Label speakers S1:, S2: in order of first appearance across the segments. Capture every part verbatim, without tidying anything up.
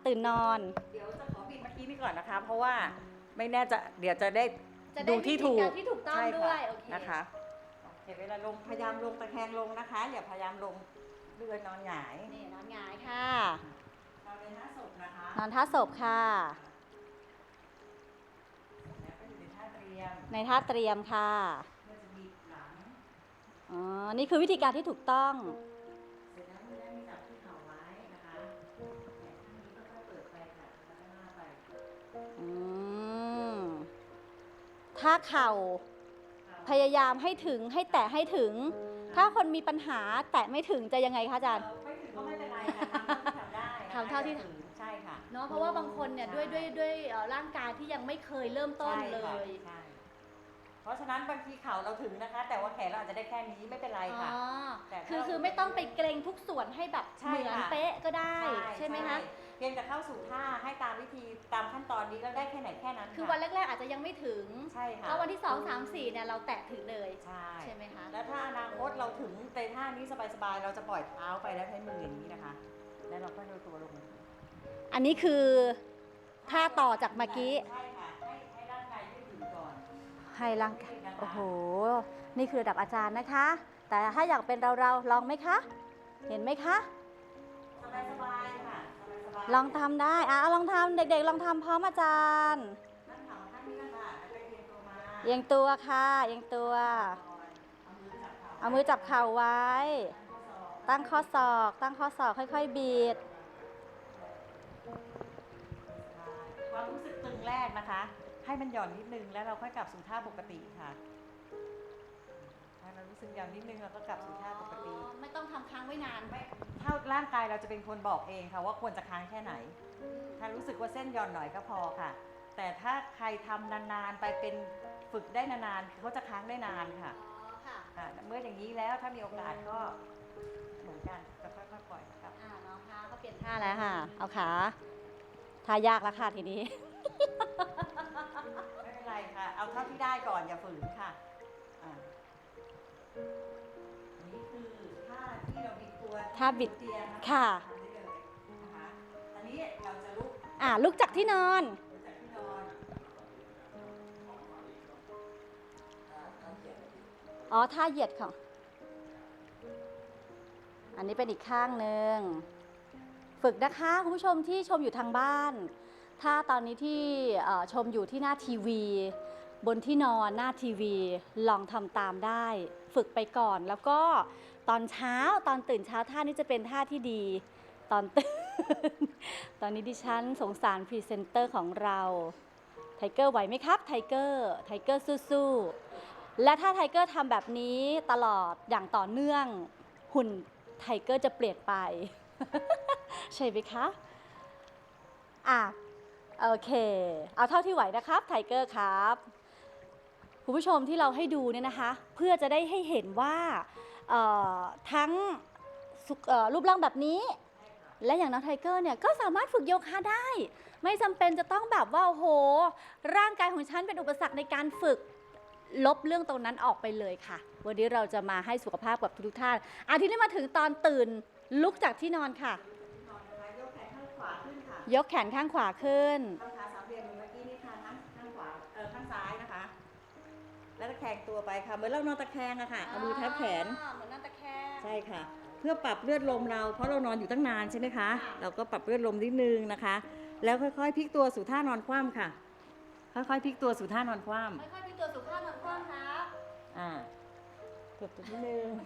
S1: ตื่นนอน
S2: เดี๋ยวจะขอบิดเมื่อกี้นี่ก่อนนะคะเพราะว่าไม่แน่จะเดี๋ยวจะได้
S1: จะได้
S2: ดูที่ถูก
S1: ที่ถูกต้องด้วยโอเค
S2: นะคะเห็นเวลาลงพยายามลงตะแคงลงนะคะอย่าพยายามลงเรือนอนหงาย
S1: นี่นอนหงายค่ะ
S2: นอนในท่าศพนะคะ
S1: นอนท่าศพค่ะ
S2: แล้วก็อยู่ในท่าเตรียม
S1: ในท่าเตรียมค่ะ
S2: เพื่อจะบีบหลัง
S1: อ๋อนี่คือวิธีการที่ถูกต้อง
S2: เสร็จแล้วมือได้มีจับที่เข่าไว้นะคะแขนข้างนี้ก็ค่อยเปิดไปค่ะแล้วก็หน้าไป
S1: อืมถ้าเข่าพยายามให้ถึงให้แตะให้ถึงถ้าคนมีปัญหาแตะไม่ถึงจะยังไงคะอาจารย์
S2: ไม่ถึงก็ไม่เป็นไรค่ะทำเท่าที่ทำได้
S1: ทำเท่าที่
S2: ใช่ค่ะ
S1: เนาะเพราะว่าบางคนเนี่ยด้วยด้วยด้วยร่างกายที่ยังไม่เคยเริ่มต้นเลย
S2: ใช่เพราะฉะนั้นบางทีเข่าเราถึงนะคะแต่ว่าแขนเราอาจจะได้แค่นี้ไม่เป็นไรค่ะ
S1: แต่คือคือไม่ต้องไปเกรงทุกส่วนให้แบบเหมือนเป๊ะก็ได้ใช่ไหมคะ
S2: เพียงแต่เข้าสู่ท่าให้ตามวิธีตามขั้นตอนนี้แล้วได้แค่ไหนแค่นั้น
S1: คือวันแรกๆอาจจะยังไม่ถึง
S2: ใช่ค่ะ
S1: แล้ววันที่สองสามสี่เนี่ยเราแตะถึงเลย
S2: ใช่
S1: ใช่ไหมคะ
S2: แล้วถ้าอนาคตเราถึงในท่านี้สบายๆเราจะปล่อยเท้าไปแล้วใช้มืออย่างนี้นะคะแล้วเราก็โยนตัวลง
S1: อันนี้คือท่าต่อจากเมื่อกี้
S2: ใช่ค่ะให้ให้ร่างกายยืดหยุ่นก่อน
S1: ให้ร่างกายโอ้โหนี่คือระดับอาจารย์นะคะแต่ถ้าอยากเป็นเราเราลองไหมคะเห็นไหมคะ
S2: สบายๆค่ะ
S1: ลองทำได้อ่ะลองทำเด็กๆลองทำพร้อมอาจารย์
S2: นั่งขาข้างนี้กันค่ะแล้วก็เอียงตัวมา
S1: เอียงตัวค่ะเอียงตัวเอามือจับเข่าไว้ตั้งข้อศอกตั้งข้อศอกค่อยๆบีบ
S2: ความรู้สึกตึงแรกนะคะให้มันหย่อนนิดนึงแล้วเราค่อยกลับสู่ท่าปกติค่ะถ้าเรารู้สึกหย่อนนิดนึงเราก็กลับสู่ท่าปกติ
S1: ไม่ต้องทำค้างไว้นาน
S2: ไม่ถ้าร่างกายเราจะเป็นคนบอกเองค่ะว่าควรจะค้างแค่ไหนถ้ารู้สึกว่าเส้นหย่อนหน่อยก็พอค่ะแต่ถ้าใครทำนานๆไปเป็นฝึกได้นานๆเขาจะค้างได้นานค่ะเมื่ออย่างนี้แล้วถ้ามีโอกาสก็เหมือนกันจะค่อยๆปล่อยครับ
S1: อ่าน้องคะก็เปลี่ยนท่าแล้วค่ะเอาขาท่ายากแล้วค่ะทีนี้
S2: ไม่เป็นไรค่ะเอาเท่าที่ได้ก่อนอย่าฝืนค่ะอ่าอันนี้คือท่าที่เราบิดตัว
S1: ท่าบิด
S2: เตียง
S1: ค่ะ
S2: ทำได้เลยนะคะอันนี้เราจะลุก
S1: อ่าลุกจากที่นอน
S2: ลุกจากที่นอน
S1: อ๋อท่าเหยียดค่ะอันนี้เป็นอีกข้างหนึ่งฝึกนะคะคุณผู้ชมที่ชมอยู่ทางบ้านถ้าตอนนี้ที่ชมอยู่ที่หน้าทีวีบนที่นอนหน้าทีวีลองทำตามได้ฝึกไปก่อนแล้วก็ตอนเช้าตอนตื่นเช้าท่านี้จะเป็นท่าที่ดีตอนตื่นตอนนี้ดิฉันสงสารพรีเซนเตอร์ของเราไทเกอร์ไหวไหมครับไทเกอร์ไทเกอร์สู้ๆและถ้าไทเกอร์ทำแบบนี้ตลอดอย่างต่อเนื่องหุ่นไทเกอร์จะเปลี่ยนไปใช่ไหมคะอ่ะโอเคเอาเท่าที่ไหวนะครับไทเกอร์ครับคุณผู้ชมที่เราให้ดูเนี่ยนะคะเพื่อจะได้ให้เห็นว่าทั้งรูปร่างแบบนี้และอย่างน้องไทเกอร์เนี่ยก็สามารถฝึกโยคะได้ไม่จำเป็นจะต้องแบบว่าโอ้โหร่างกายของฉันเป็นอุปสรรคในการฝึกลบเรื่องตรงนั้นออกไปเลยค่ะวันนี้เราจะมาให้สุขภาพกับทุกท่านอาทิตย์นี้มาถึงตอนตื่นลุกจากที่นอนค่ะ
S2: ยกแขนข้างขวาขึ้นค่ะ
S1: ยกแขนข้างขวาขึ้น
S2: ข้างขาสามเหลี่ยมเมื่อกี้นี่ค่ะข้างข้างขวาเออข้างซ้ายนะคะแล้วตะแคงตัวไปค่ะเหมือนเรานอนตะแคงอะค่ะเอามือทับแขน
S1: เหมือนนอนตะแคง
S2: ใช่ค่ะเพื่อปรับเลือดลมเราเพราะเรานอนอยู่ตั้งนานใช่ไหมคะเราก็ปรับเลือดลมนิดนึงนะคะแล้วค่อยๆพลิกตัวสู่ท่านอนคว่ำค่ะค่อยๆพลิกตัวสู่ท่านอนคว่ำ
S1: ค่อยๆพลิกตัวสู่ท่านอนคว่ำครับ
S2: อ่าเกือบนิดนึง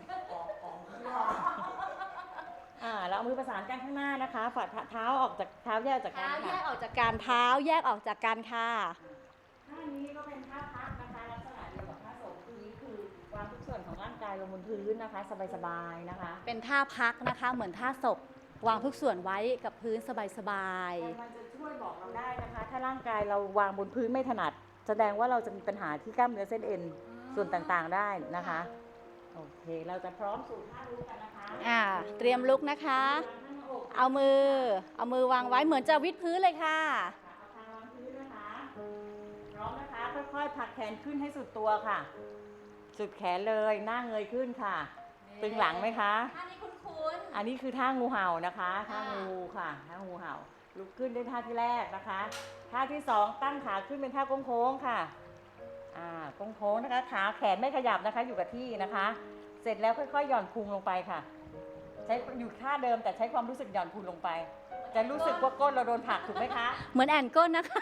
S2: อ่าเราเอามือประสานกันข้างหน้านะคะฝ่าเท้าออกจากเท้าแยกจากกัน
S1: เท้าแยกออกจากการเท้าแยกออกจากกันค่ะ
S2: ท่านี้ก็เป็นท่าพักนะคะลักษณะเดียวกับท่าโสมคือนี้คือวางทุกส่วนของร่างกายลงบนพื้นนะคะสบายๆนะคะ
S1: เป็นท่าพักนะคะเหมือนท่าศพวางทุกส่วนไว้กับพื้นสบาย
S2: ๆมันจะช่วยบอกเราได้นะคะถ้าร่างกายเราวางบนพื้นไม่ถนัดแสดงว่าเราจะมีปัญหาที่กล้ามเนื้อเส้นเอ็นส่วนต่างๆได้นะคะโอเคเราจะพร้อมสู่ท่าลุกกันนะคะ
S1: อ่าเตรียมลุกนะคะเอามือเอามือวางไว้เหมือนจะวิดพื้นเลยค่ะ
S2: เอาทางวางพื้นนะคะพร้อมนะคะค่อยๆผลักแขนขึ้นให้สุดตัวค่ะสุดแขนเลยหน้าเงยขึ้นค่ะตึงหลังไหมคะ
S1: ท่านี้คุ้นๆ
S2: อันนี้คือท่างูเห่านะคะท่างูค่ะท่างูเห่าลุกขึ้นด้วยท่าที่แรกนะคะ ท่าที่สองตั้งขาขึ้นเป็นท่าโค้งๆค่ะ อ่าโค้งๆนะคะ ขาแขนไม่ขยับนะคะ อยู่กับที่นะคะ เสร็จแล้วค่อยๆหย่อนพุงลงไปค่ะ ใช้อยู่ท่าเดิมแต่ใช้ความรู้สึกหย่อนพุงลงไป จะรู้สึกว่าก้นเราโดนผลักถูกไหมคะ
S1: เหมือนแอนก้นนะคะ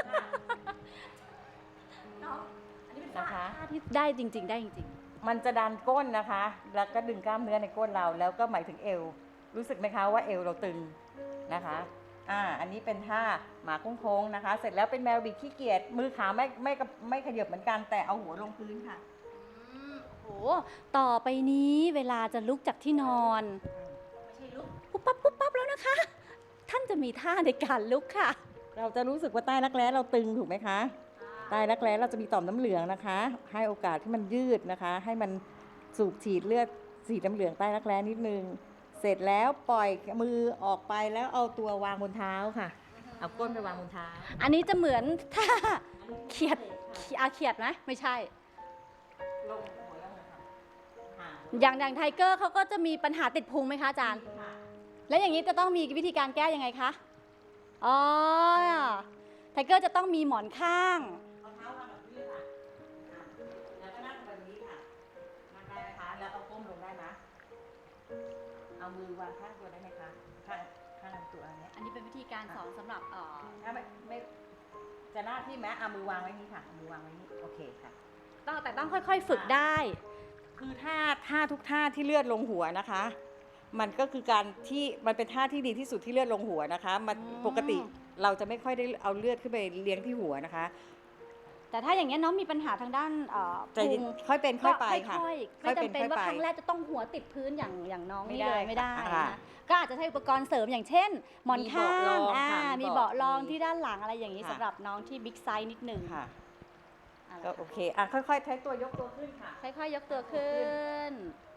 S1: น้องอันนี้เป็นท่า
S2: นะคะ
S1: ท่าที่ได้จริง ๆ ได้จริง
S2: มันจะดันก้นนะคะ แล้วก็ดึงกล้ามเนื้อในก้นเรา แล้วก็หมายถึงเอว รู้สึกไหมคะว่าเอวเราตึงนะคะ อ่า อันนี้เป็นท่าหมาโค้งๆนะคะ เสร็จแล้วเป็นแมวบิดขี้เกียจ มือขาไม่ไม่ไม่ขยับเหมือนกัน แต่เอาหัวลงพื้นค่ะ
S1: ๆอืมโอ้โหต่อไปนี้เวลาจะลุกจากที่นอนไม่ใช่ลุกปุ๊บปั๊บปุ๊บปั๊บแล้วนะคะ ท่านจะมีท่าในการลุกค่ะ
S2: เราจะรู้สึกว่าใต้รักแร้เราตึงถูกไหมคะ ใต้รักแร้เราจะมีต่อมน้ำเหลืองนะคะ ให้โอกาสที่มันยืดนะคะ ให้มันสูบฉีดเลือดสีน้ำเหลืองใต้รักแร้นิดนึง เสร็จแล้วปล่อยมือออกไปแล้วเอาตัววางบนเท้าค่ะ เอาก้นไปวางบนเท้า
S1: อันนี้จะเหมือนท่าเขียดอาเขียดไหมไม่ใช่
S2: ลงหัวแล้วมือค่ะค่ะ
S1: อย่างอย่างไทเกอร์เขาก็จะมีปัญหาติดพุงไหมคะอาจารย์
S2: ค่ะ
S1: แล้วอย่างนี้จะต้องมีวิธีการแก้ยังไงคะ อ๋อ ไทเกอร์จะต้องมีหมอนข้าง
S2: เอาเท้าวางแบบนี้ค่ะอ่ะ แล้วก็นั่งแบบนี้ค่ะ นั่งได้ไหมคะ แล้วเอาก้มลงได้ไหมเอามือวางข้างตัวได้ไหมคะ ข้างข้างลำตัวอันเนี้ย
S1: อันนี้เป็นวิธีการสอนสำหรับเอ่อ
S2: ถ้าไม่ไม่จะหน้าที่แม้เอามือวางไว้นี่ค่ะเอามือวางไว้นี่โอเคค่ะ
S1: ต้องแต่ต้องค่อยๆฝึกได้
S2: คือท่าท่าทุกท่าที่เลือดลงหัวนะคะ มันก็คือการที่มันเป็นท่าที่ดีที่สุดที่เลือดลงหัวนะคะมัน
S1: อืม
S2: ปกติเราจะไม่ค่อยได้เอาเลือดขึ้นไปเลี้ยงที่หัวนะคะ
S1: แต่ถ้าอย่างนี้ยน้องมีปัญหาทางด้านเอ่อ
S2: ใจ
S1: พุ
S2: เย็น
S1: ง
S2: ค่อยเป็นค่อยไปค่ะ
S1: ค่อยๆไม่จำเป็นว่าครั้งแรกจะต้องหัวติดพื้นอย่างอย่างน้องนี่เลย
S2: ไม่
S1: ไม่
S2: ได้
S1: ได้
S2: ค่ะ
S1: นะก็อาจจะใช้อุปกรณ์เสริมอย่างเช่น หมอนข้า
S2: มีเบาะรอง
S1: งอ่า
S2: ค่ะมี
S1: มี
S2: เบาะ
S1: เบาะรอง
S2: มี
S1: ที่ด้านหลังอะไรอย่างนี้
S2: ค่ะ
S1: สำหรับน้องที่บิ๊กไซส์นิดหนึ่ง
S2: ค่ะ
S1: อ่ะ
S2: ก็โอเคอ่ะค่อยๆใช้ตัวยกตัวขึ้นค่ะ
S1: ค่อยๆยกตัวขึ้น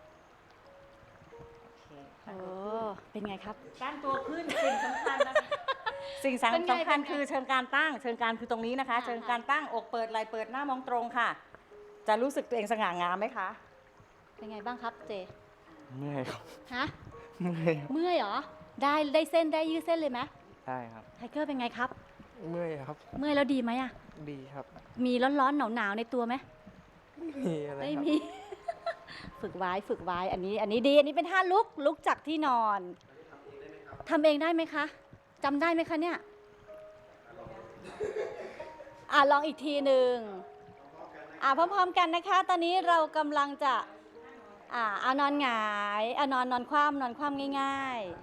S2: โอเค
S1: โอ้เป็นไงครับ
S2: ตั้งตัวขึ้นสิ่งสำคัญนะคะสิ่ง
S1: เป็นไง
S2: สำคัญ
S1: เป็นไง
S2: คือเชิงการตั้ง เชิงการคือตรงนี้นะคะ
S1: อ่า
S2: เชิงการตั้งอกเปิดไหล่เปิดหน้ามองตรงค่ะ จะรู้สึกตัวเองสง่างามไหมคะ
S1: เป็นไงบ้างครับเจ
S3: เมื่อยครับ
S1: ฮะ
S3: เมื่อยครับ
S1: เมื่อยเหรอ ได้ได้เส้นได้ยืดเส้นเลยไหม
S3: ได้ครับ
S1: ไทเกอร์เป็นไงครับ
S3: เมื่อยครับ
S1: เมื่อยแล้วดีไหมอะ
S3: ดีครับ
S1: มีร้อนๆหนาวๆในตัวไหม
S3: ไม่มีอะไร
S1: ไม่
S3: ครับ
S1: มี ฝึกไว้ฝึกไว้ อันนี้ อันนี้ดี อันนี้เป็นท่าลุก ลุกจากที่นอนทำเองได้ไหมคะจำได้ไหมคะเนี่ย อ่ะลองอีกทีหนึ่งอ่ะพร้อมๆกันนะคะ ตอนนี้เรากำลังจะ อ่าเอานอนหงายเอานอนนอนคว่ำนอนคว่ำง่ายๆ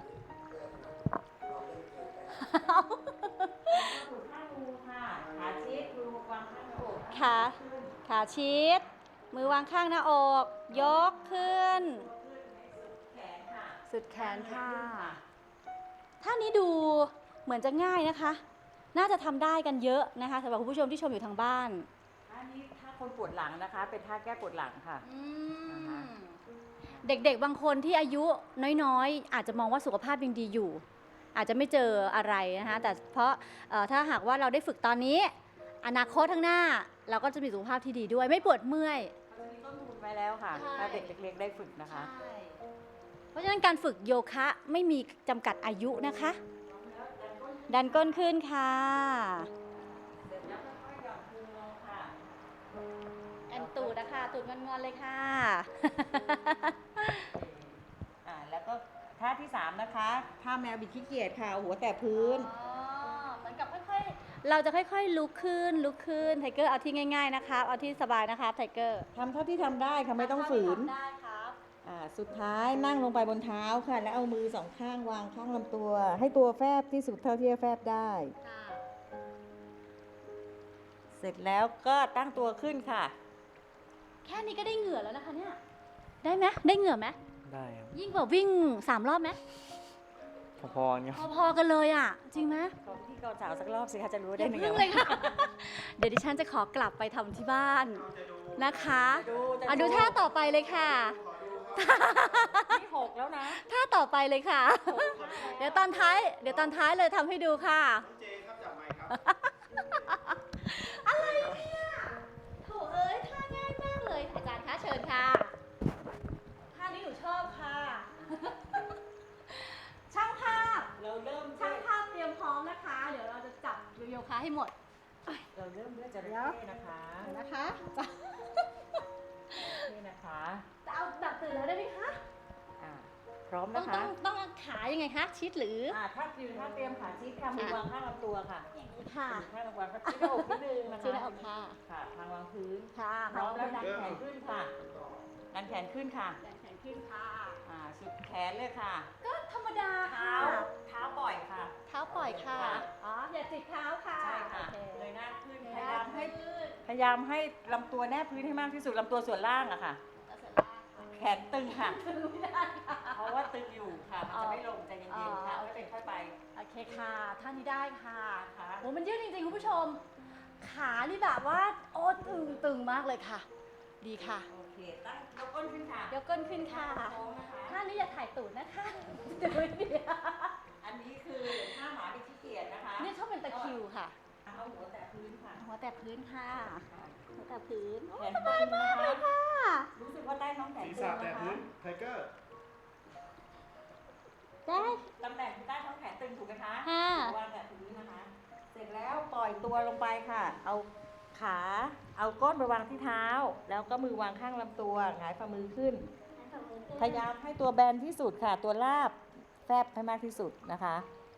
S2: ถูกข้างมือค่ะ ขาชิดมือวางข้างหน้าอก
S1: ขาขาชิด มือวางข้างหน้าอก ยกขึ้น
S2: แขนค่ะ
S1: สุดแขนค่ะท่านี้ดูเหมือนจะง่ายนะคะ น่าจะทำได้กันเยอะนะคะสำหรับคุณผู้ชมที่ชมอยู่ทางบ้าน
S2: ท่านี้ถ้าคนปวดหลังนะคะ เป็นท่าแก้ปวดหลังค่ะ นะคะ
S1: เด็กๆบางคนที่อายุน้อยๆ อาจจะมองว่าสุขภาพยังดีอยู่ อาจจะไม่เจออะไรนะคะแต่เพราะเอ่อถ้าหากว่าเราได้ฝึกตอนนี้ อนาคตข้างหน้า เราก็จะมีสุขภาพที่ดีด้วย ไม่ปวดเมื่อย
S2: เขาจะมีต้นทุนไว้แล้วค่ะ
S1: ใช่
S2: ถ้าเด็กเล็กๆได้ฝึกนะคะ
S1: เพราะฉะนั้นการฝึกโยคะไม่มีจำกัดอายุนะคะ ดันก้นขึ้นค่ะ
S2: เสร็จแล้วค่อยๆหย่อนพุงลงค่ะ
S1: แอนตูดนะคะตูดงอนๆเลยค่ะ
S2: อ่าแล้วก็ท่าที่สามนะคะท่าแมวบิดขี้เกียจค่ะเอาหัวแตะพื้น
S1: อ๋อเหมือนกับค่อยๆ เราจะค่อยๆ ลุกขึ้น ลุกขึ้น ไทเกอร์เอาที่ง่ายๆ นะคะ เอาที่สบายนะคะไทเกอร์
S2: ทำเท่าที่ทำได้ค่ะไม่ต้องฝืน
S1: ได้ครับ
S2: อ่าสุดท้ายนั่งลงไปบนเท้าค่ะ แล้วเอามือสองข้างวางข้างลำตัว ให้ตัวแฟบที่สุดเท่าที่จะแฟบได้
S1: ค่ะ
S2: เสร็จแล้วก็ตั้งตัวขึ้นค่ะ
S1: แค่นี้ก็ได้เหงื่อแล้วนะคะเนี่ย ได้ไหมได้เหงื่อไหม
S3: ได้ครับ
S1: ยิ่งกว่าวิ่งสามรอบไหม
S3: พอๆกันครับ
S1: พอๆ กันเลยอ่ะ จริงไหม
S2: ขอพี่กอสาวสักรอบสิคะจะรู้
S1: อ
S2: ได้
S1: ย่า
S2: หนึ่ง
S1: พึ่งเลยค่ะ เดี๋ยวดิฉันจะขอกลับไปทำที่บ้านนะคะ
S2: ดูจะ
S1: อ่ะดูท่าต่อไปเลยค่ะ
S2: ที่หกแล้วนะ
S1: ท่าต่อไปเลยค่ะ เดี๋ยวตอนท้าย เดี๋ยวตอนท้ายเลยทำให้ดูค่ะ
S4: เจครับจับไมค์ครับ
S1: อะไรเนี่ยโถเอ้ยท่าง่ายมากเลย อาจารย์คะเชิญค่ะ ท่านี้หนูชอบค่ะ ช่างภาพ
S2: เราเริ่ม
S1: ช่างภาพเตรียมพร้อคะให้หมด
S2: เราเริ่มด้วยจระ
S1: เดี๋ยว
S2: เข้นะคะ
S1: เดี๋ยวนะคะ
S2: นี่นะคะ
S1: จะเอาแบบตื่นแล้วได้ไหมคะ
S2: อ่าพร้อม
S1: ต้อง
S2: นะคะ
S1: ต้องต้องเอาขายังไงคะชิดหรือ
S2: อ่าถ้ายืนถ้าเตรียมขาชิดค่ะมือวางข้างลำตัวค่ะ
S1: อย่างนี้ค่ะ
S2: มือข้างลำตัวก็ชิดหน้าอกนิดนึงนะคะ
S1: ชิดหน้าอกค่ะ
S2: ค่ะทางวางพื้น
S1: ค่ะ
S2: พร้อมแล้วดันแขนขึ้นค่ะดันแขนขึ้นค่ะ
S1: ดันแขนขึ้นค่ะ
S2: อ่าสุดแขนเลยค่ะ
S1: ก็ธรรมดา
S2: เท้า
S1: ค่ะ
S2: เท้าปล่อยค่ะ
S1: เท้าปล่อยค่ะ
S2: ค่ะ
S1: อ๋อ อย่าจิกเท้าค่ะ
S2: ใช่ค่ะ
S1: โอเค
S2: เลยหน้าขึ้น
S1: เดี๋
S2: พ
S1: วย
S2: ายามให้
S1: ยืด
S2: พยายามให้ลำตัวแนบพื้นให้มากที่สุดลำตัวส่วนล่างอะค่ะ
S1: แล้วเสร็จแล้วค่ะ
S2: แขนตึงค่ะ
S1: ถึงไม่ได้ค่ะ
S2: เพราะว่าตึงอยู่ค่ะ มันจะไม่ลงใจเย็นๆค่ะ
S1: อ๋อ
S2: ค่อยเป็นค่อยไป
S1: โอเคค่ะ ท่านี้ได้ค่ะ
S2: ค่ะ
S1: โอ้มันยืดจริงๆคุณผู้ชม ขานี่แบบว่า โอ้ตึงตึงมากเลยค่ะ ดีค่ะ
S2: โอเคตั้งยกก้นขึ้นค่ะ
S1: ยกก้นขึ้นค่ะ
S2: โค้งนะคะ
S1: ท่านี้อย่าถ่ายตูดนะคะเดี๋ยวไม่ดี
S2: อันนี้คือท่าหมาที่ขี้เกียจนะคะ
S1: นี่ชอบเป็นตะคริวค่ะ
S2: เอาหัวแตะพื้นค่ะ
S1: หัวแต่พื้นค่ะ หัวแต่พื้น
S2: แขน
S1: สบายมากเลยค่ะ
S2: รู้สึกว่าใต้ท้องแขน
S4: ศีร
S2: ตึ
S4: ษะ
S2: ง
S4: แตะ
S2: นะคะ
S4: พื้นไทเกอร์
S1: ได้
S2: ตำแหน่งใต้ท้องแขนตึงถูกไหมคะ
S1: ค่ะ
S2: วางแตะพื้นนะคะ เสร็จแล้วปล่อยตัวลงไปค่ะ เอาขา เอาก้นไปวางที่เท้า แล้วก็มือวางข้างลำตัวหงายฝ่ามือขึ้น พยายามให้ตัวแบนที่สุดค่ะ ตัวราบแฟบให้มากที่สุดนะคะ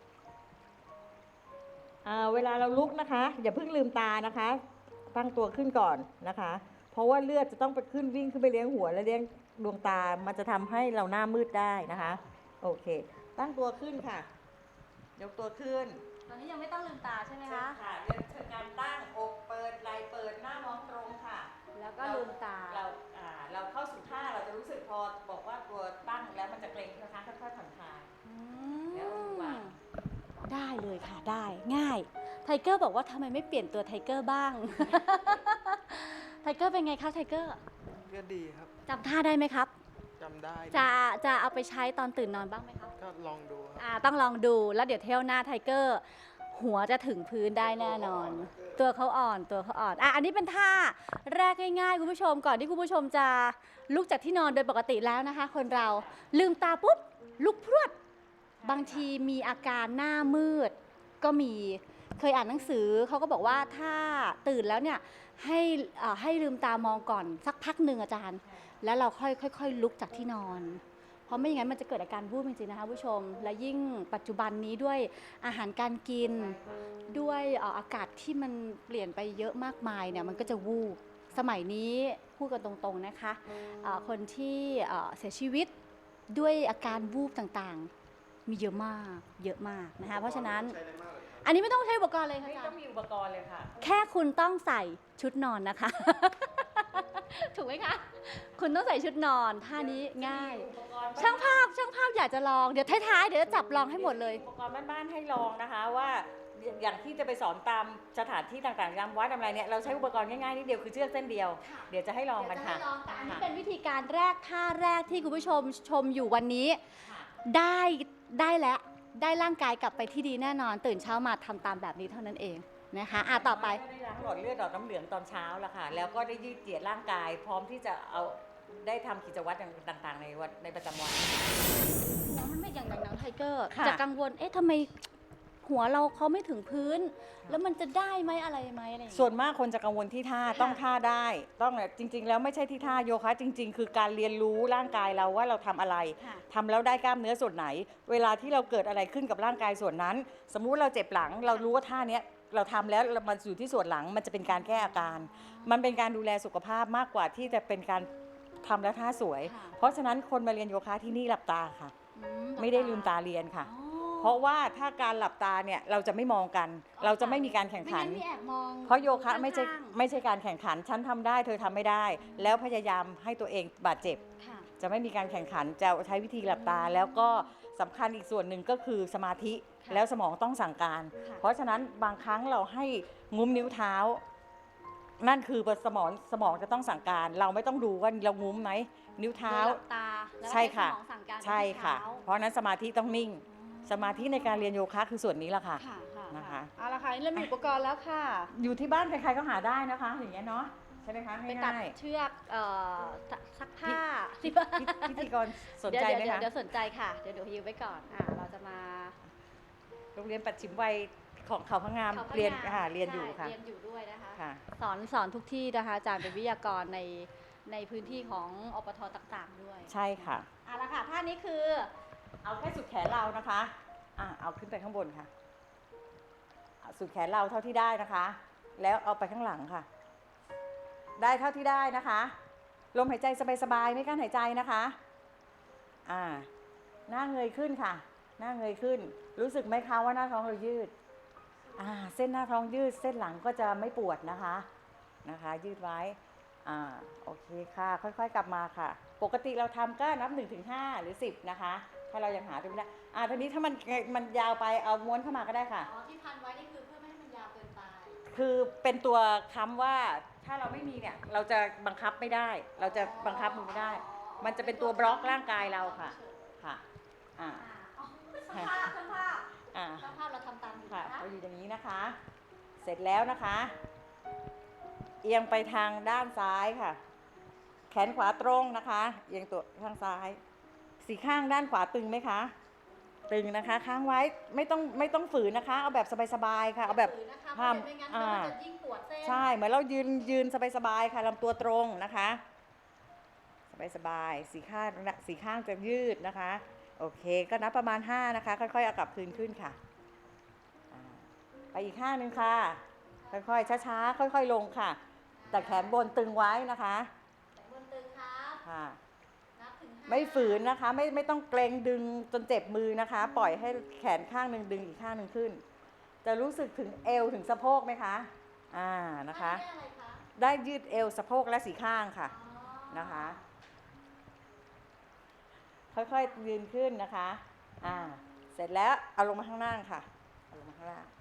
S2: อ่าเวลาเราลุกนะคะ อย่าเพิ่งลืมตานะคะ ตั้งตัวขึ้นก่อนนะคะ เพราะว่าเลือดจะต้องไปขึ้นวิ่งขึ้นไปเลี้ยงหัวและเลี้ยงดวงตา มันจะทำให้เราหน้ามืดได้นะคะ โอเค ตั้งตัวขึ้นค่ะ ยกตัวขึ้น
S1: ตอนนี้ยังไม่ต้องลืมตาใช่ไหม
S2: เชิ
S1: คะ
S2: ญค่ะเรียนเชิญการตั้งอกเปิดไหล่เปิดหน้ามองตรงค่ะ
S1: แล้วก็ลืมตา
S2: เราอ่าเราเข้าสู่ท่าเราจะรู้สึกพอบอกว่าตัวตั้งแล้วมันจะเกร็งนะคะค่อยๆผ่อนคลาย
S1: อื
S2: แล้ว
S1: ม
S2: วาง
S1: ได้เลยค่ะ ได้ ง่าย ไทเกอร์บอกว่าทำไมไม่เปลี่ยนตัวไทเกอร์บ้าง ไทเกอร์เป็นไงคะไทเกอร์
S3: ก็ดีครับ
S1: จำท่าได้ไหมครับ
S3: จำได้
S1: จะจะเอาไปใช้ตอนตื่นนอนบ้างไหมครับ
S3: ก็ลองดูครับ
S1: อ่าต้องลองดูแล้วเดี๋ยวเที่ยวหน้าไทเกอร์ หัวจะถึงพื้นได้แน่นอน ตัวเขาอ่อนตัวเขาอ่อนอ่ะอันนี้เป็นท่าแรกง่ายๆคุณผู้ชมก่อนที่คุณผู้ชมจะลุกจากที่นอนโดยปกติแล้วนะคะ คนเราลืมตาปุ๊บลุกพรวดบางทีมีอาการหน้ามืด ก็มีเคยอ่านหนังสือเขาก็บอกว่าถ้าตื่นแล้วเนี่ยให้อ่าให้ลืมตามองก่อนสักพักหนึ่งอาจารย์ แล้วเราค่อยค่อยๆลุกจากที่นอน เพราะไม่อย่างนั้นมันจะเกิดอาการวูบจริงๆนะคะผู้ชม และยิ่งปัจจุบันนี้ด้วยอาหารการกิน ด้วยเอ่ออากาศที่มันเปลี่ยนไปเยอะมากมายเนี่ยมันก็จะวูบ สมัยนี้พูดกันตรงๆนะคะเอ่อคนที่เอ่อเสียชีวิตด้วยอาการวูบต่างๆ มีเยอะมากเยอะมากนะคะเพราะฉะนั้น
S4: ใช้ได้มากเลย
S1: อันนี้ไม่ต้องใช้อุปกรณ์เลยค่ะ
S2: ไม่
S1: อาจาร
S2: ต้อง
S1: ย์
S2: มีอุปกรณ์เลยค่ะ
S1: แค่คุณต้องใส่ชุดนอนนะคะ ถูกไหมคะ คุณต้องใส่ชุดนอนท่านี้ง่าย
S2: อุปกรณ์
S1: ช่างภาพช่างภาพอยากจะลองเดี๋ยวท้ายๆเดี๋ยวจะจับลองให้หมดเลย
S2: อุปกรณ์บ้านๆให้ลองนะคะว่าอย่างที่จะไปสอนตามสถานที่ต่างๆตามวัดอะไรเนี่ยเราใช้อุปกรณ์ง่ายๆนิดเดียวคือเชือกเส้นเดียว
S1: ค่ะ
S2: เดี๋ยวจะให้ลองกันค่ะ
S1: เดี๋ยวจะให้ลองแต่อันนี้
S2: ค่ะ
S1: เป็นวิธีการแรกท่าแรกที่คุณผู้ชมชมอยู่วันนี้
S2: ค่ะ
S1: ได้ได้แล้วได้ร่างกายกลับไปที่ดีแน่นอน ตื่นเช้ามาทำตามแบบนี้เท่านั้นเองนะคะอ่ะต่อไป
S2: ก็ได้ล้างหลอดเลือดหลอดน้ำเหลืองตอนเช้าแล้วค่ะ แล้วก็ได้ยืดเหยียดร่างกาย พร้อมที่จะเอาได้ทำกิจวัตรต่างๆ ในวันในประจำวัน
S1: น้องมันไม่อย่างอย่างน้องไทเกอร์
S2: ค่ะ
S1: จะกังวลเอ๊ะทำไมหัวเราเขาไม่ถึงพื้น แล้วมันจะได้ไหมอะไรไหมอะไรอย่าง
S2: ส่
S1: เงี้ย
S2: วนมากคนจะกังวลที่ท่า
S1: ค่ะ
S2: ต้องท่าได้ ต้องเนี่ยจริง ๆ แล้วไม่ใช่ที่ท่าโยคะจริง ๆ คือการเรียนรู้ร่างกายเราว่าเราทำอะไร
S1: ค่ะ
S2: ทำแล้วได้กล้ามเนื้อส่วนไหน เวลาที่เราเกิดอะไรขึ้นกับร่างกายส่วนนั้น สมมุติเราเจ็บหลัง เรารู้ว่าท่าเนี้ยเราทำแล้วมันอยู่ที่ส่วนหลังมันจะเป็นการแก้อาการ มันเป็นการดูแลสุขภาพมากกว่าที่จะเป็นการทำแล้วท่าสวย
S1: ค่ะ
S2: เพราะฉะนั้นคนมาเรียนโยคะที่นี่หลับตาค่ะ
S1: อื
S2: ไม่ได้ลืมตาเรียนค่ะ
S1: อ๋อ
S2: เพราะว่าถ้าการหลับตาเนี่ยเราจะไม่มองกัน เราจะไม่มีการแข่งขัน
S1: ไม่งั้มีแอบมอง
S2: เพราะโยคะไม่ใช่
S1: ข้างๆ
S2: ไม่ใช่การแข่งขัน ฉันทำได้เธอทำไม่ได้ แล้วพยายามให้ตัวเองบาดเจ็บ
S1: ค่ะ
S2: จะไม่มีการแข่งขัน จะใช้วิธีหลับตา แล้วก็สำคัญอีกส่วนหนึ่งก็คือสมาธิ
S1: ค่ะ
S2: แล้วสมองต้องสั่งการ
S1: ค่ะ
S2: เพราะฉะนั้นบางครั้งเราให้งุ้มนิ้วเท้า นั่นคือสมองสมองจะต้องสั่งการ เราไม่ต้องดูว่าเรางุ้มไหมนิ้วเท้า
S1: โดยหลับตาแล้ว
S2: ใช่ค่ะ
S1: ห้สมองสั่งการไปที่
S2: ใช่ค่ะ
S1: เท้า
S2: เพราะฉะนั้นสมาธิต้องนิ่ง สมาธิในการเรียนโยคะคือส่วนนี้แหละค่ะ
S1: ค่ะค่ะ
S2: นะคะ
S1: เอาละค่ะนี่เรามีอุปกรณ์แล้วค่ะ
S2: อยู่ที่บ้านใครๆก็หาได้นะคะ อย่างเงี้ยเนาะใช่ไหมคะ
S1: ไปตัด
S2: ง่าย
S1: เชือกเอ่อซักผ้า
S2: ๆพิพิธีกรสนใจไหม
S1: เดี๋ยว
S2: คะ
S1: เดี๋ยวเดี๋ยวสนใจค่ะ เดี๋ยวเดี๋ยวยืมไว้ก่อน อ่า เราจะมา
S2: โรงเรียนปัจฉิมวัยของเขาพะงาม
S1: เขาพะ
S2: เรียน
S1: งาม
S2: ค่ะเรียนอยู่
S1: ใช่
S2: ค่ะ
S1: เรียนอยู่ด้วยนะคะ
S2: ค่ะ
S1: สอนสอนทุกที่นะคะอาจารย์เป็นวิทยากรในในพื้นที่ของอปทต่างๆด้วย
S2: ใช่ค่ะ
S1: เอาละค่ะท่านี้คือ
S2: เอาแค่สุดแขนเรานะคะอ่ะเอาขึ้นไปข้างบนค่ะเอาสุดแขนเราเท่าที่ได้นะคะ แล้วเอาไปข้างหลังค่ะ ได้เท่าที่ได้นะคะ ลมหายใจสบายๆไม่กั้นหายใจนะคะอ่าหน้าเงยขึ้นค่ะ หน้าเงยขึ้น รู้สึกไหมคะว่าหน้าท้องเรายืดอ่าเส้นหน้าท้องยืด เส้นหลังก็จะไม่ปวดนะคะนะคะ ยืดไว้อ่าโอเคค่ะ ค่อยๆกลับมาค่ะ ปกติเราทำก็นับหนึ่งถึงห้าหรือสิบนะคะ ถ้าเรายังหาตัวไม่ได้อ่าทีนี้ถ้ามันมันยาวไปเอาม้วนเข้ามาก็ได้ค่ะ
S1: อ๋อที่พันไว้นี่คือเพื่อไม่ให้มันยาวเกินไป
S2: คือเป็นตัวค้ำว่าถ้าเราไม่มีเนี่ยเราจะบังคับไม่ได้ เราจะบังคับมันไม่ได้ มันจะเป็นตัวบล็อกร่างกายเราค่ะค่ะอ่า
S1: อ่าอ๋อช่างภาพช่างภาพ
S2: อ่า
S1: ช่างภาพเราทำตามอยู่
S2: ค่ะ
S1: นะคะ
S2: เราอยู่อย่างนี้นะคะ เสร็จแล้วนะคะ เอียงไปทางด้านซ้ายค่ะ แขนขวาตรงนะคะ เอียงตัวทางซ้าย สีข้างด้านขวาตึงไหมคะ ตึงนะคะ ค้างไว้ไม่ต้องไม่ต้องฝืนนะคะ เอาแบบสบายๆค่ะ เอาแบบ
S1: ฝืนนะคะเพ
S2: ห้า
S1: ราะ
S2: ม
S1: เดี๋ยวไม่งั้น
S2: อ่า
S1: มันจะยิ่งปวดเส้น
S2: ใช่ เหมือนเรายืนยืนสบายๆค่ะลำตัวตรงนะคะ สบายๆสีข้างสีข้างจะยืดนะคะ โอเคก็นับประมาณห้านะคะ ค่อยๆเอากลับคืนขึ้นค่ะอ่าไปอีกข้างหนึ่งค่ะ ค่อยๆช้าๆค่อยๆลงค่ะ แต่แขนบนตึงไว้นะคะ
S1: แขนบนตึงครับ
S2: ค่ะ
S1: นับถึงห้า
S2: ไม่ฝืนนะคะ ไม่ไม่ต้องเกรงดึงจนเจ็บมือนะคะ ปล่อยให้แขนข้างหนึ่งดึงอีกข้างหนึ่งขึ้น จะรู้สึกถึงเอวถึงสะโพกไหมคะอ่านะคะ
S1: ได้อะไรคะ
S2: ได้ยืดเอวสะโพกและสีข้างค่ะ
S1: อ๋อ
S2: นะคะ ค่อยๆยืนขึ้นนะคะ อ่า เสร็จแล้วเอาลงมาข้างล่างค่ะ เอาลงมาข้างล่าง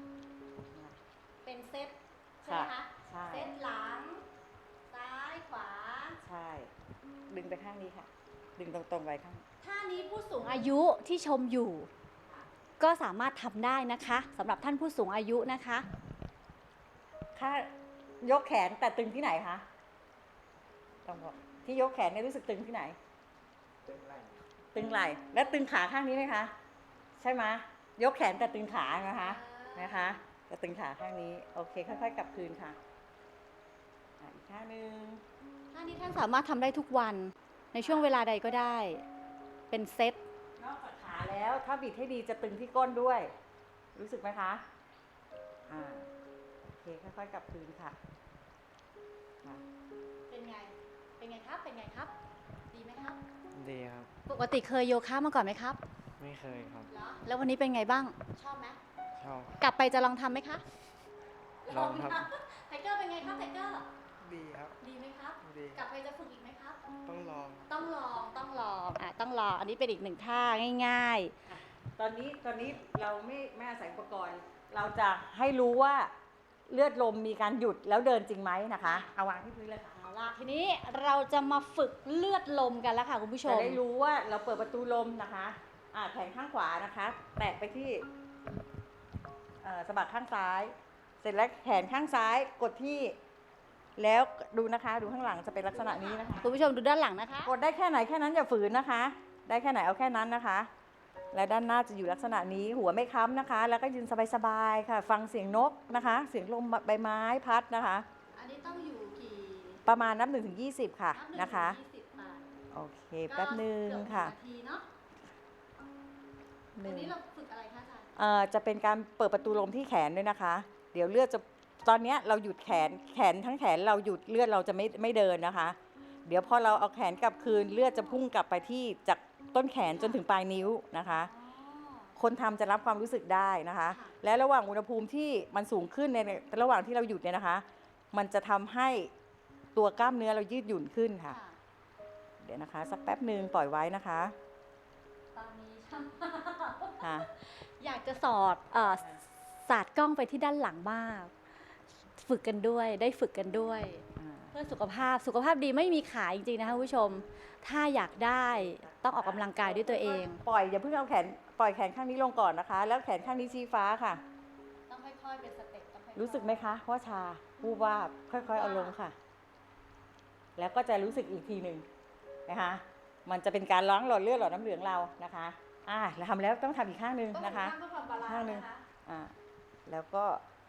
S1: เป็นเซตใช่ไหมคะ
S2: ใช่
S1: เซตหลัง ซ้ายขวา
S2: ใช่ ดึงไปข้างนี้ค่ะ ดึงตรงๆไว้ข้าง
S1: ท่านี้ผู้สูงอายุที่ชมอยู่ ก็สามารถทำได้นะคะสำหรับท่านผู้สูงอายุนะคะ
S2: ค่ายกแขนแต่ตึงที่ไหนคะต้องบอกที่ยกแขนเนี่ยรู้สึกตึงที่ไหน
S3: ตึงไหล่
S2: ตึงไหล่ และตึงขาข้างนี้ไหมคะ ใช่ไหมยกแขนแต่ตึงขานะคะ นะคะแต่ตึงขาข้างนี้ โอเค ค่อยๆ กลับคืนค่ะอ่ะอีกข้างหนึ่ง
S1: ท่านี้ท่านสามารถทำได้ทุกวันในช่วงเวลาใดก็ได้ เป็นเซต
S2: นอกจากขาแล้วถ้าบิดให้ดีจะตึงที่ก้นด้วย รู้สึกไหมคะ อ่า โอเค ค่อยๆ กลับคืนค่ะมา
S1: เป็นไง เป็นไงครับ เป็นไงครับ ดีไหมครับ
S3: ดีครับ
S1: ปกติเคยโยคะมาก่อนไหมครับ
S3: ไม่เคยครับ
S1: เหรอ แล้ววันนี้เป็นไงบ้าง ชอบไหม
S3: ชอบ
S1: กลับไปจะลองทำไหมคะ
S3: ลองครับ
S1: นะไทเกอร์เป็นไงครับไทเกอร์
S3: ดีครับ
S1: ดีไหมครับ
S3: ดี
S1: กลับไปจะฝึกอีกไหมครับ
S3: ต้องลอง
S1: ต้องลอง ต้องลอง อ่ะ ต้องลอง อันนี้เป็นอีกหนึ่งท่าง่าย
S2: ตอนนี้ตอนนี้เราไม่ไม่อาศัยอุปกรณ์ เราจะให้รู้ว่าเลือดลมมีการหยุดแล้วเดินจริงไหมนะคะ เอาวางที่พื้นเลยค่ะ
S1: ๆ เอาล่ะ ทีนี้เราจะมาฝึกเลือดลมกันแล้วค่ะคุณผู้ช
S2: จะ
S1: ม
S2: ได้รู้ว่าเราเปิดประตูลมนะคะ อ่าแขนข้างขวานะคะ แตะไปที่เอ่อสะบักข้างซ้าย เสร็จแล้วแขนข้างซ้ายกดที่ แล้วดูนะคะ ดูข้างหลังจะเป็นลักษณะนี้นะคะ
S1: คุณผู้ชมดูด้านหลังนะคะ
S2: กดได้แค่ไหนแค่นั้นอย่าฝืนนะคะ ได้แค่ไหนเอาแค่นั้นนะคะ และด้านหน้าจะอยู่ลักษณะนี้หัวไม่ค้ำนะคะ แล้วก็ยืนสบายๆค่ะ ฟังเสียงนกนะคะ เสียงลมใบไม้พัดนะคะ
S1: อันนี้ต้องอยู่กี่
S2: ประมาณนับหนึ่งถึงยี่สิบค่ะ
S1: นับหง
S2: นะคะ
S1: ถึงยี่สิบค่ะ
S2: โอเคแป๊บหนึ่ง
S1: ก็เกือบ
S2: ค่ะ
S1: หนึ่งนาทีเนาะ
S2: ห
S1: อั
S2: นึ่
S1: น
S2: ง
S1: นี้เราฝึกอะไรคะอาจารย์
S2: เอ่อจะเป็นการเปิดประตูลมที่แขนด้วยนะคะ เดี๋ยวเลือดจะตอนเนี้ยเราหยุดแขนแขนทั้งแขนเราหยุดเลือดเราจะไม่ไม่เดินนะคะ เดี๋ยวพอเราเอาแขนกลับคืนเลือดจะพุ่งกลับไปที่จากต้นแขนจนถึงปลายนิ้วนะคะ
S1: อ๋อ
S2: คนทำจะรับความรู้สึกได้นะคะ
S1: ค่ะ
S2: และระหว่างอุณหภูมิที่มันสูงขึ้นในระหว่างที่เราหยุดเนี่ยนะคะ มันจะทำให้ตัวกล้ามเนื้อเรายืดหยุ่นขึ้นค่ะ
S1: ค่ะ
S2: เดี๋ยวนะคะ สักแป๊บหนึ่งปล่อยไว้นะคะ
S1: ตอนนี้ช่าง
S2: ค่ะ
S1: อยากจะสอดเอ่อสาดกล้องไปที่ด้านหลังมาก ฝึกกันด้วย ได้ฝึกกันด้วย
S2: อ่า
S1: เพื่อสุขภาพ สุขภาพดีไม่มีขายจริงๆนะคะคุณผู้ชม ถ้าอยากได้ต้องออกกำลังกายด้วยตัวเอง
S2: ปล่อยอย่าเพิ่งเอาแขนปล่อยแขนข้างนี้ลงก่อนนะคะ แล้วแขนข้างนี้ชี้ฟ้าค่ะ
S1: ต้องค่อยๆเป็นสเต็ปต้องค่อยๆ
S2: รู้สึกไหมคะว่าชาวูบวาบค่อยๆเอาลงค่ะ แล้วก็จะรู้สึกอีกทีหนึ่งนะคะ มันจะเป็นการล้างหลอดเลือดหลอดน้ำเหลืองเรานะคะ อ่าเราทำแล้วต้องทำอีกข้างหนึ่งนะคะ
S1: ต้องทำบาลานซ์
S2: ข้างหนึ่ง
S1: นะคะ
S2: อ่าแล้วก็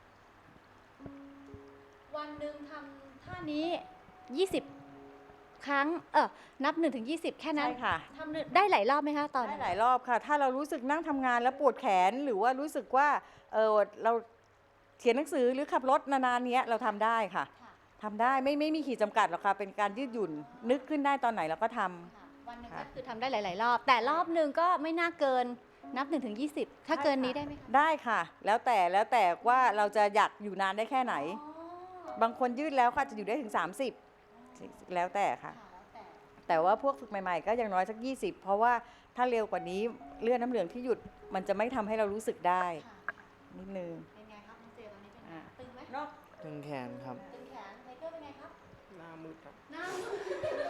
S1: วันหนึ่งทำท่านี้ ยี่สิบ ครั้ง เออนับหนึ่งถึงยี่สิบแค่นั้น
S2: ใช่ค่ะ
S1: ทำได้หลายรอบไหมคะตอน
S2: ได้หลายรอบค่ะ ถ้าเรารู้สึกนั่งทำงานแล้วปวดแขนหรือว่ารู้สึกว่าเออเราเขียนหนังสือหรือขับรถนานๆเนี้ยเราทำได้ค่ะ
S1: ค่ะ
S2: ทำได้ไม่ไม่มีขีดจำกัดหรอกค่ะ เป็นการยืดหยุ่นนึกขึ้นได้ตอนไหนเราก็ทำ
S1: ค่ะวันหนึ่ง
S2: ค่ะ
S1: ก็คือทำได้หลาย ๆ รอบ แต่รอบหนึ่งก็ไม่น่าเกินนับหนึ่งถึงยี่สิบถ้าเกินนี้ได้ไหมคะ
S2: ได้ค่ะ แล้วแต่แล้วแต่ว่าเราจะอยากอยู่นานได้แค่ไหน
S1: อ๋อ
S2: บางคนยืดแล้วก็อาจจะอยู่ได้ถึง สามสิบ แล้วแต่ค่ะ
S1: ค่ะแล้วแต่
S2: แต่ว่าพวกฝึกใหม่ๆ ก็อย่างน้อยสัก ยี่สิบ เพราะว่าถ้าเร็วกว่านี้เลือดน้ำเหลืองที่หยุดมันจะไม่ทำให้เรารู้สึกได้
S1: ค่ะ
S2: นิดนึง
S1: เป็นไงครับน้องเจตอนนี้เป็นไง
S2: อ่า
S1: ตึงไหม
S2: นอก
S3: ตึงแขนครับ
S1: ตึงแขนไทเกอร์เป็นไงครับ
S3: หน้ามืดครับ
S1: หน้ามืด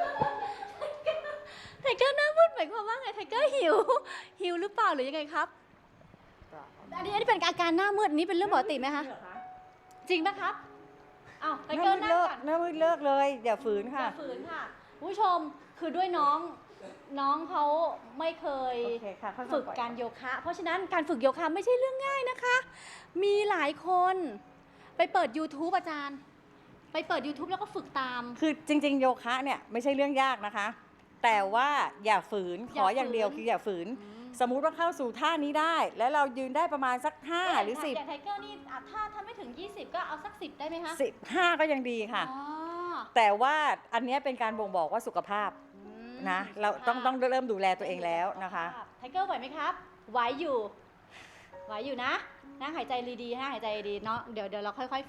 S1: ไทเกอร์หน้ามืดหมายความว่าไงไทเกอร์หิว หิวหรือเปล่าหรือยังไงครับ อันนี้อันนี้เป็นอาการหน้ามืดอันนี้เป็นเรื่องปกติไหมคะ จริงปะครับอ้าวไท
S2: ห
S1: เกอ
S2: น้า
S1: ร์
S2: มืด
S1: นั่ง
S2: เลิก
S1: ก่อน
S2: หน้ามืดเลิกเลยอย่าฝืน
S1: อ
S2: ค่ะ
S1: ย่าฝืนค่ะคุณผู้ชมคือด้วยน้องน้องเขาไม่เคย
S2: โอเคค่ะค่อยๆ
S1: ฝึก
S2: ปล่อย
S1: การโยคะ เพราะฉะนั้นการฝึกโยคะไม่ใช่เรื่องง่ายนะคะ มีหลายคนไปเปิด YouTube อาจารย์ ไปเปิด YouTube แล้วก็ฝึกตาม
S2: คือจริง ๆ โยคะเนี่ยไม่ใช่เรื่องยากนะคะ แต่ว่าอย่าฝืนขออย่างเดียวคืออย่าฝืน สมมุติว่าเข้าสู่ท่านี้ได้ แล้วเรายืนได้ประมาณสักห้าหรือสิบ
S1: อย่างไทเกอร์นี่อ่ะถ้าถ้าไม่ถึง ยี่สิบ ก็เอาสักสิบได้ไหมคะ
S2: สิบห้าก็ยังดีค่ะ
S1: อ๋อ
S2: แต่ว่าอันเนี้ยเป็นการบ่งบอกว่าสุขภาพ
S1: อืม
S2: นะ เราต้องต้องเริ่มดูแลตัวเองแล้วนะคะ
S1: ไทเกอร์ไหวไหมครับ ไหวอยู่ ไหวอยู่นะนั่งหายใจดีๆนะหายใจดีเนาะ เดี๋ยวเดี๋ยวเราค่อยๆ